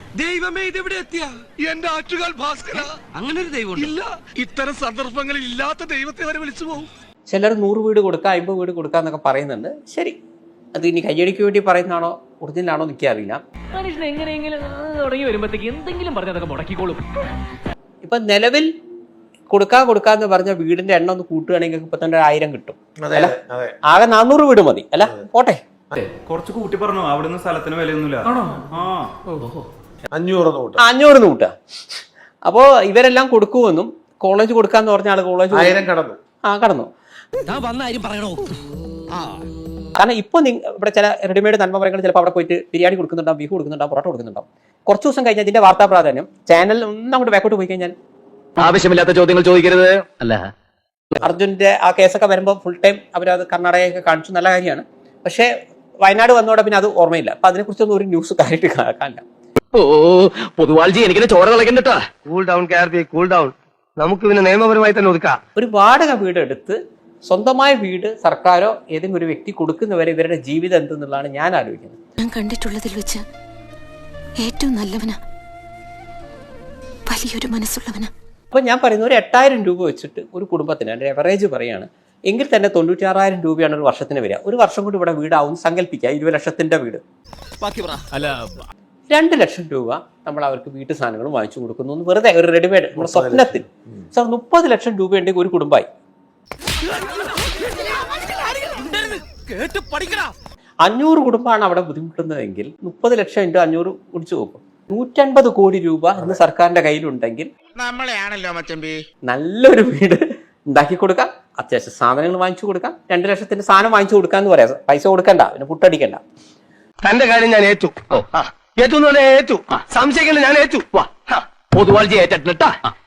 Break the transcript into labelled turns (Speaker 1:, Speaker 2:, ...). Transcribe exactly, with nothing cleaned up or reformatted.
Speaker 1: ദൈവമേ ഇതെവിടെ എത്തിയ എന്റെ ആറ്റുകാൽ ഭാസ്കര. അങ്ങനെ ഒരു ദൈവം ഇല്ല. ഇത്തരം സന്ദർഭങ്ങളിൽ ഇല്ലാത്ത ദൈവത്തെ വരെ വിളിച്ചു പോകും.
Speaker 2: ചിലർ നൂറ് വീട് കൊടുക്കുക, അമ്പത് വീട് കൊടുക്കുക എന്നൊക്കെ പറയുന്നുണ്ട്. ശരി, അത് ഇനി കയ്യടിക്ക് വേണ്ടി പറയുന്നതാണോ ഒറിജിനലാണോ എനിക്കറിയില്ല.
Speaker 3: മനുഷ്യൻ എങ്ങനെയെങ്കിലും തുടങ്ങി വരുമ്പോഴത്തേക്ക് എന്തെങ്കിലും പറഞ്ഞതൊക്കെ മുടക്കിക്കോളും.
Speaker 2: ഇപ്പൊ നിലവിൽ കൊടുക്കാൻ കൊടുക്കാന്ന് പറഞ്ഞ വീടിന്റെ എണ്ണം ഒന്ന് കൂട്ടുകയാണെങ്കിൽ ഇപ്പൊ തന്നെ ആയിരം കിട്ടും. അല്ല, ആകെ നാനൂറ് വീട് മതി. അല്ല പോട്ടെ,
Speaker 4: കുറച്ച് കൂട്ടി പറഞ്ഞു. അവിടുന്ന് സ്ഥലത്തിന് വിലയൊന്നുമില്ല.
Speaker 2: അഞ്ഞൂറ് കൂട്ടുക. അപ്പോ ഇവരെല്ലാം കൊടുക്കുമെന്നും കോളേജ് കൊടുക്കാന്ന് പറഞ്ഞ ആള് കോളേജ് കടന്നു ആ കടന്നു കാരണം ഇപ്പൊ ഇവിടെ ചില റെഡിമെയ്ഡ് നന്മമരങ്ങൾ ചിലപ്പോൾ അവിടെ പോയിട്ട് ബിരിയാണി കൊടുക്കുന്നുണ്ടാവും, ബീഫ് കൊടുക്കുന്നുണ്ടാവും, പൊറോട്ട കൊടുക്കുന്നുണ്ടാവും. കുറച്ച് ദിവസം കഴിഞ്ഞാൽ ഇതിന്റെ വാർത്താ പ്രാധാന്യം ചാനൽ ഒന്നും അങ്ങോട്ട് ബാക്കോട്ട് പോയി കഴിഞ്ഞാൽ
Speaker 5: ആവശ്യമില്ലാത്ത ചോദ്യങ്ങൾ ചോദിക്കരുത്. അല്ല,
Speaker 2: അർജുന്റെ ആ കേസൊക്കെ വരുമ്പോൾ ഫുൾ ടൈം അവരത് കർണാടകയൊക്കെ കാണിച്ചു, നല്ല കാര്യമാണ്. പക്ഷേ വയനാട് വന്നോടെ പിന്നെ അത് ഓർമ്മയില്ല. അപ്പൊ അതിനെക്കുറിച്ചൊന്നും ഒരു ന്യൂസ് കാര്യമായിട്ട് കാണില്ല.
Speaker 5: ഓ പൊതുവാൾജി എനിക്കിനെ ചോര കളക്കണ്ടട്ടാ.
Speaker 6: Cool down Karthi, cool down. നമുക്ക് പിന്നെ നിയമപരമായി തന്നെ ഒതുക്കാം.
Speaker 2: ഒരു വാടക വീട് എടുത്ത് സ്വന്തമായ വീട് സർക്കാരോ ഏതെങ്കിലും ഒരു വ്യക്തി കൊടുക്കുന്നവരെ ഇവരുടെ ജീവിതം എന്തെന്നുള്ളതാണ് ഞാൻ ആലോചിക്കുന്നത്.
Speaker 7: ഞാൻ കണ്ടിട്ടുള്ളതിൽ വെച്ച് ഏറ്റവും നല്ലവനാ, വലിയൊരു മനസ്സുള്ളവനാ.
Speaker 2: അപ്പൊ ഞാൻ പറയുന്ന ഒരു എട്ടായിരം രൂപ വെച്ചിട്ട് ഒരു കുടുംബത്തിന് എൻ്റെ എവറേജ് പറയാണ് എങ്കിൽ തന്നെ തൊണ്ണൂറ്റി ആറായിരം രൂപയാണ് ഒരു വർഷത്തിന് വരിക. ഒരു വർഷം കൊണ്ട് ഇവിടെ വീടാവും സങ്കല്പിക്കുക. ഇരുപത് ലക്ഷത്തിന്റെ വീട്, രണ്ട് ലക്ഷം രൂപ നമ്മൾ അവർക്ക് വീട്ടു സാധനങ്ങൾ വാങ്ങിച്ചു കൊടുക്കുന്നു. വെറുതെ ഒരു റെഡിമെയ്ഡ് നമ്മുടെ സ്വപ്നത്തിൽ സാർ മുപ്പത് ലക്ഷം രൂപ ഉണ്ടെങ്കിൽ ഒരു കുടുംബമായി. അഞ്ഞൂറ് കുടുംബമാണ് അവിടെ ബുദ്ധിമുട്ടുന്നതെങ്കിൽ മുപ്പത് ലക്ഷം ഇൻറ്റു അഞ്ഞൂറ് കുടിച്ചു നോക്കും. നൂറ്റൻപത് കോടി രൂപ ഇന്ന് സർക്കാരിന്റെ കയ്യിലുണ്ടെങ്കിൽ
Speaker 1: നമ്മളെയാണല്ലോ മച്ചമ്പി
Speaker 2: നല്ലൊരു വീട് ഉണ്ടാക്കി കൊടുക്കാം, അത്യാവശ്യം സാധനങ്ങൾ വാങ്ങിച്ചു കൊടുക്കാം. രണ്ട് ലക്ഷത്തിന്റെ സാധനം വാങ്ങിച്ചു കൊടുക്കാന്ന് പറയാം. പൈസ കൊടുക്കണ്ട, പിന്നെ പുട്ടടിക്കണ്ട.
Speaker 6: തന്റെ കാര്യം ഞാൻ ഏറ്റു. ഏറ്റു ഏറ്റു സംശയിക്കണ്ട, ഞാൻ ഏറ്റു.
Speaker 5: പൊതുവാൾജി ഏറ്റിട്ടാ